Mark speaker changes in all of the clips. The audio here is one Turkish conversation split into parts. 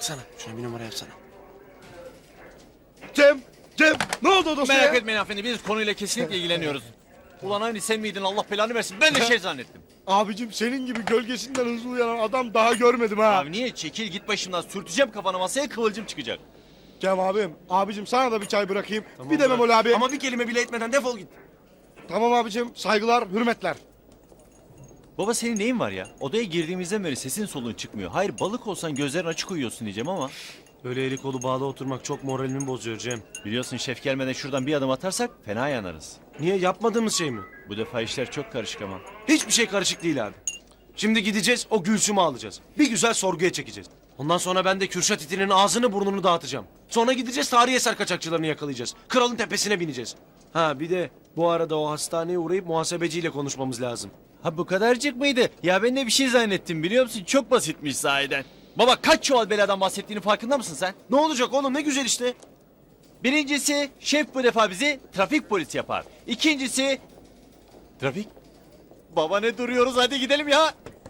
Speaker 1: baksana. Şuna bir numara yapsana.
Speaker 2: Cem ne oldu o dosyaya?
Speaker 3: Merak etmeyin hanımefendi, biz konuyla kesinlikle ilgileniyoruz. Ulan aynı sen miydin, Allah belanı versin, ben de şey zannettim.
Speaker 2: Abicim senin gibi gölgesinden hızlı uyanan adam daha görmedim ha.
Speaker 3: Abi niye? Çekil git başımdan, sürteceğim kafana masaya, kıvılcım çıkacak.
Speaker 2: Cem abicim sana da bir çay bırakayım. Bir de Memoli abi.
Speaker 1: Ama bir kelime bile etmeden defol git.
Speaker 2: Tamam abicim, saygılar, hürmetler.
Speaker 3: Baba senin neyin var ya? Odaya girdiğimizden beri sesin soluğun çıkmıyor. Hayır balık olsan gözlerin açık uyuyorsun diyeceğim ama.
Speaker 1: Böyle eli kolu bağlı oturmak çok moralimi bozuyor Cem.
Speaker 3: Biliyorsun şef gelmeden şuradan bir adım atarsak fena yanarız.
Speaker 1: Niye, yapmadığımız şey mi?
Speaker 3: Bu defa işler çok karışık ama.
Speaker 1: Hiçbir şey karışık değil abi. Şimdi gideceğiz, o Gülsüm'ü alacağız. Bir güzel sorguya çekeceğiz. Ondan sonra ben de Kürşat itinin ağzını burnunu dağıtacağım. Sonra gideceğiz, tarihi eser kaçakçılarını yakalayacağız. Kralın tepesine bineceğiz. Ha bir de bu arada o hastaneye uğrayıp muhasebeciyle konuşmamız lazım.
Speaker 3: Ha bu kadarcık mıydı? Ya ben de bir şey zannettim biliyor musun? Çok basitmiş sahiden. Baba kaç çuval beladan bahsettiğinin farkında mısın sen?
Speaker 1: Ne olacak oğlum, ne güzel işte.
Speaker 3: Birincisi şef bu defa bizi trafik polisi yapar. İkincisi... Trafik? Baba ne duruyoruz, hadi gidelim ya.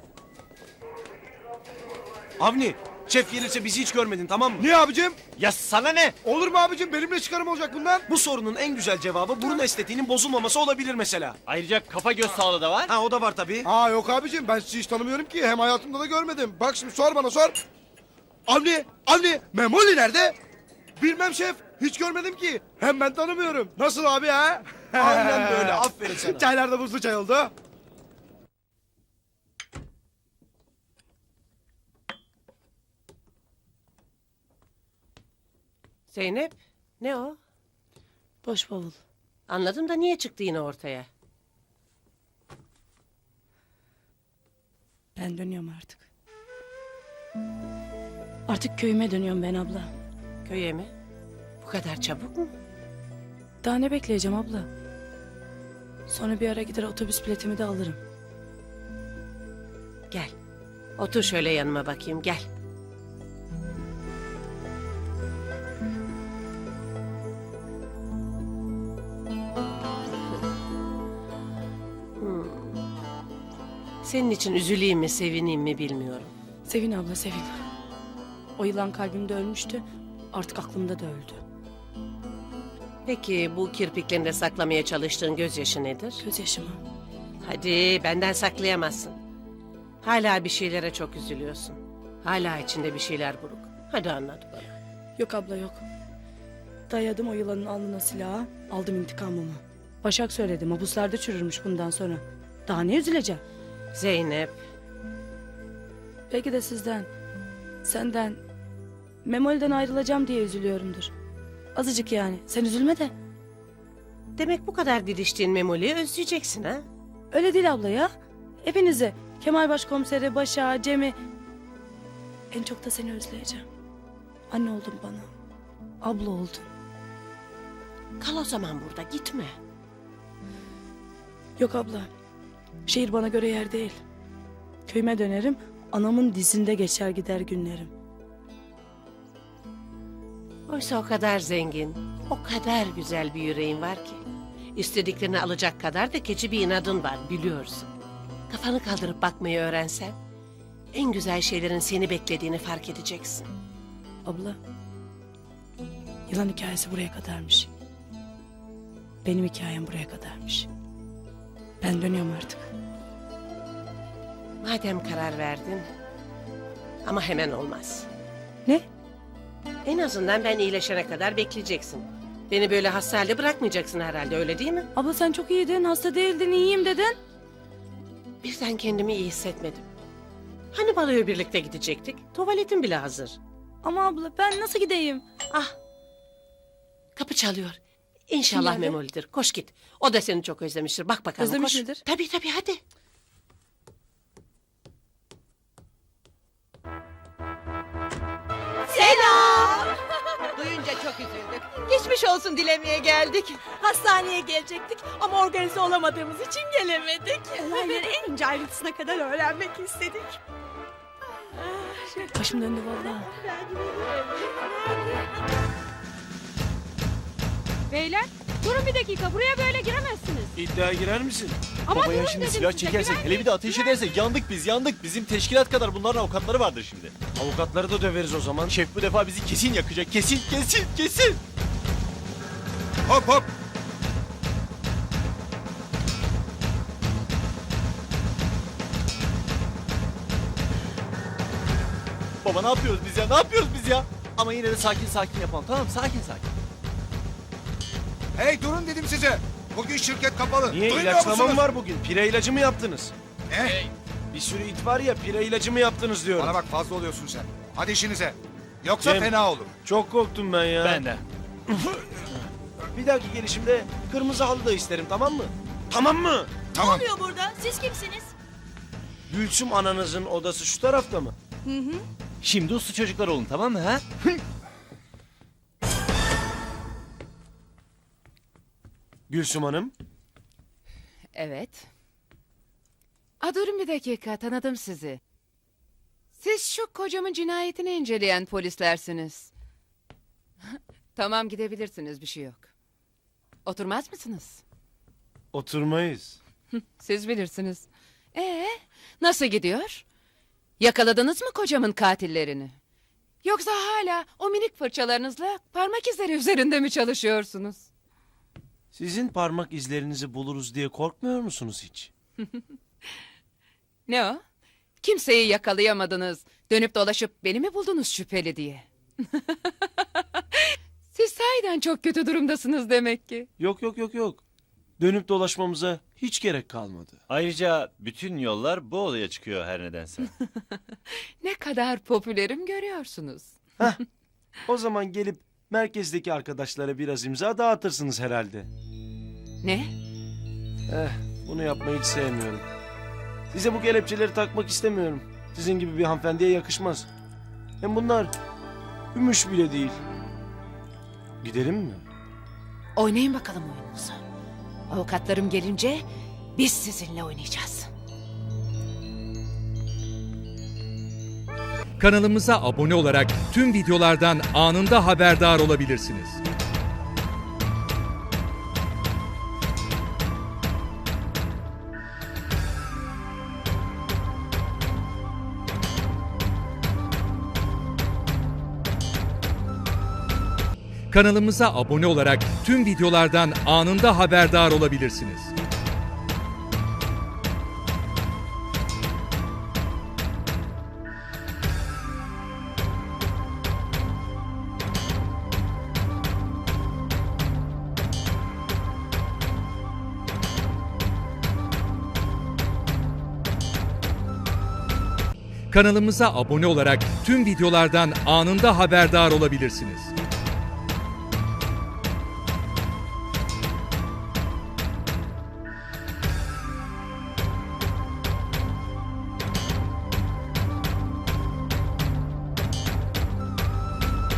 Speaker 1: Avni, şef gelirse bizi hiç görmedin, tamam mı?
Speaker 2: Niye abicim?
Speaker 3: Ya sana ne?
Speaker 2: Olur mu abicim? Benimle çıkarım olacak bundan.
Speaker 1: Bu sorunun en güzel cevabı burun estetiğinin bozulmaması olabilir mesela.
Speaker 3: Ayrıca kafa göz sağlığı da var.
Speaker 1: Ha o da var tabii.
Speaker 2: Aa yok abicim, ben sizi hiç tanımıyorum ki. Hem hayatımda da görmedim. Bak şimdi sor bana, sor. Avni, Memoli nerede? Bilmem şef, hiç görmedim ki. Hem ben tanımıyorum. Nasıl abi ha?
Speaker 1: Aynen böyle, aferin sana.
Speaker 2: Çaylar da buzlu çay oldu.
Speaker 4: Zeynep, ne o?
Speaker 5: Boş bavul.
Speaker 4: Anladım da niye çıktı yine ortaya?
Speaker 5: Ben dönüyorum artık. Artık köyüme dönüyorum ben abla.
Speaker 4: Köye mi? Bu kadar çabuk mu?
Speaker 5: Daha ne bekleyeceğim abla? Sonra bir ara gider otobüs biletimi de alırım.
Speaker 4: Gel. Otur şöyle yanıma bakayım, gel. Senin için üzüleyim mi, sevineyim mi bilmiyorum.
Speaker 5: Sevin abla sevin. O yılan kalbimde ölmüştü. Artık aklımda da öldü.
Speaker 4: Peki bu kirpiklerinde saklamaya çalıştığın gözyaşı nedir?
Speaker 5: Gözyaşımı.
Speaker 4: Hadi benden saklayamazsın. Hala bir şeylere çok üzülüyorsun. Hala içinde bir şeyler buruk. Hadi anlat bana.
Speaker 5: Yok abla yok. Dayadım o yılanın alnına silahı. Aldım intikamımı. Başak söyledi, mabuslarda çürürmüş bundan sonra. Daha ne üzüleceğim?
Speaker 4: Zeynep,
Speaker 5: Belki de sizden, senden, Memoli'den ayrılacağım diye üzülüyorumdur. Azıcık yani. Sen üzülme de.
Speaker 4: demek bu kadar didiştiğin Memoli'yi özleyeceksin ha?
Speaker 5: Öyle değil abla ya. Hepinizi. Kemal Başkomiseri, Başak'ı, Cem'i. En çok da seni özleyeceğim. Anne oldun bana. Abla oldun.
Speaker 4: Kal o zaman burada, gitme.
Speaker 5: Yok abla. Şehir bana göre yer değil. Köyüme dönerim. Anamın dizinde geçer gider günlerim.
Speaker 4: Oysa o kadar zengin, o kadar güzel bir yüreğin var ki. İstediklerini alacak kadar da keçi bir inadın var, biliyorsun. Kafanı kaldırıp bakmayı öğrensen, en güzel şeylerin seni beklediğini fark edeceksin.
Speaker 5: Abla. Yılan hikayesi buraya kadarmış. Benim hikayem buraya kadarmış. Ben dönüyorum artık.
Speaker 4: Madem karar verdin, ama hemen olmaz.
Speaker 5: Ne?
Speaker 4: En azından ben iyileşene kadar bekleyeceksin. Beni böyle hasta halde bırakmayacaksın herhalde, öyle değil mi?
Speaker 5: Abla sen çok iyiydin, hasta değildin, iyiyim dedin.
Speaker 4: Birden kendimi iyi hissetmedim. Hani baloya birlikte gidecektik? Tuvaletim bile hazır.
Speaker 5: Ama abla ben nasıl gideyim?
Speaker 4: Ah! Kapı çalıyor. İnşallah
Speaker 5: Kim geldi?
Speaker 4: Memoli'dir. Koş git. O da seni çok özlemiştir. Bak bakalım,
Speaker 5: Özlemiş
Speaker 4: koş.
Speaker 5: midir?
Speaker 4: Tabii tabii, hadi.
Speaker 6: Duyunca çok üzüldük. Geçmiş olsun dilemeye geldik.
Speaker 7: Hastaneye gelecektik ama organize olamadığımız için gelemedik. Olayları en ince ayrıntısına kadar öğrenmek istedik.
Speaker 5: Başım döndü vallahi.
Speaker 7: Beyler, Durun bir dakika, buraya böyle giremezsiniz.
Speaker 1: İddiaya girer misin?
Speaker 7: Ama
Speaker 3: Baba ya
Speaker 7: durun
Speaker 3: şimdi
Speaker 7: dedim
Speaker 3: silah
Speaker 7: size,
Speaker 3: çekersek, hele
Speaker 7: güvenmeyin.
Speaker 3: bir de ateş edersek yandık biz, yandık. Bizim teşkilat kadar bunların avukatları vardır şimdi.
Speaker 1: Avukatları da döveriz o zaman.
Speaker 3: Şef bu defa bizi kesin yakacak, kesin, kesin, kesin.
Speaker 2: Hop hop.
Speaker 3: Baba ne yapıyoruz biz ya, ne yapıyoruz biz ya? Ama yine de sakin sakin yapalım, tamam mı? Sakin sakin.
Speaker 2: Hey durun dedim size. Bugün şirket kapalı.
Speaker 1: Niye
Speaker 2: Duymuyor
Speaker 1: ilaçlama mı
Speaker 2: musunuz?
Speaker 1: var bugün? Pire ilacı mı yaptınız?
Speaker 2: Ne?
Speaker 1: Bir sürü it var ya pire ilacı mı yaptınız diyorum.
Speaker 2: Bana bak fazla oluyorsun sen. Hadi işinize. Yoksa
Speaker 1: Cem.
Speaker 2: fena olur.
Speaker 1: Çok korktum ben ya.
Speaker 3: Ben de.
Speaker 1: Bir dahaki gelişimde kırmızı halı da isterim tamam mı? Tamam mı?
Speaker 2: Tamam.
Speaker 7: oluyor burada? Siz kimsiniz?
Speaker 1: Gülsüm ananızın odası şu tarafta mı?
Speaker 3: Şimdi uslu çocuklar olun, tamam mı ha?
Speaker 1: Gülsüm Hanım.
Speaker 8: Evet. Durun bir dakika, tanıdım sizi. Siz şu kocamın cinayetini inceleyen polislersiniz. Tamam, gidebilirsiniz, bir şey yok. Oturmaz mısınız?
Speaker 1: Oturmayız.
Speaker 8: Siz bilirsiniz. Nasıl gidiyor? Yakaladınız mı kocamın katillerini? Yoksa hala o minik fırçalarınızla parmak izleri üzerinde mi çalışıyorsunuz?
Speaker 1: Sizin parmak izlerinizi buluruz diye korkmuyor musunuz hiç?
Speaker 8: Ne o? Kimseyi yakalayamadınız. Dönüp dolaşıp beni mi buldunuz şüpheli diye? Siz sahiden çok kötü durumdasınız demek ki.
Speaker 1: Yok yok yok yok. Dönüp dolaşmamıza hiç gerek kalmadı.
Speaker 3: Ayrıca bütün yollar bu odaya çıkıyor her nedense.
Speaker 8: Ne kadar popülerim görüyorsunuz.
Speaker 1: O zaman gelip merkezdeki arkadaşlara biraz imza dağıtırsınız herhalde.
Speaker 8: Ne?
Speaker 1: Bunu yapmayı hiç sevmiyorum. Size bu kelepçeleri takmak istemiyorum. Sizin gibi bir hanımefendiye yakışmaz. Hem bunlar gümüş bile değil. Gidelim mi?
Speaker 8: Oynayın bakalım oyununuzu. Avukatlarım gelince biz sizinle oynayacağız.
Speaker 9: Kanalımıza abone olarak tüm videolardan anında haberdar olabilirsiniz. Kanalımıza abone olarak tüm videolardan anında haberdar olabilirsiniz. Kanalımıza abone olarak tüm videolardan anında haberdar olabilirsiniz.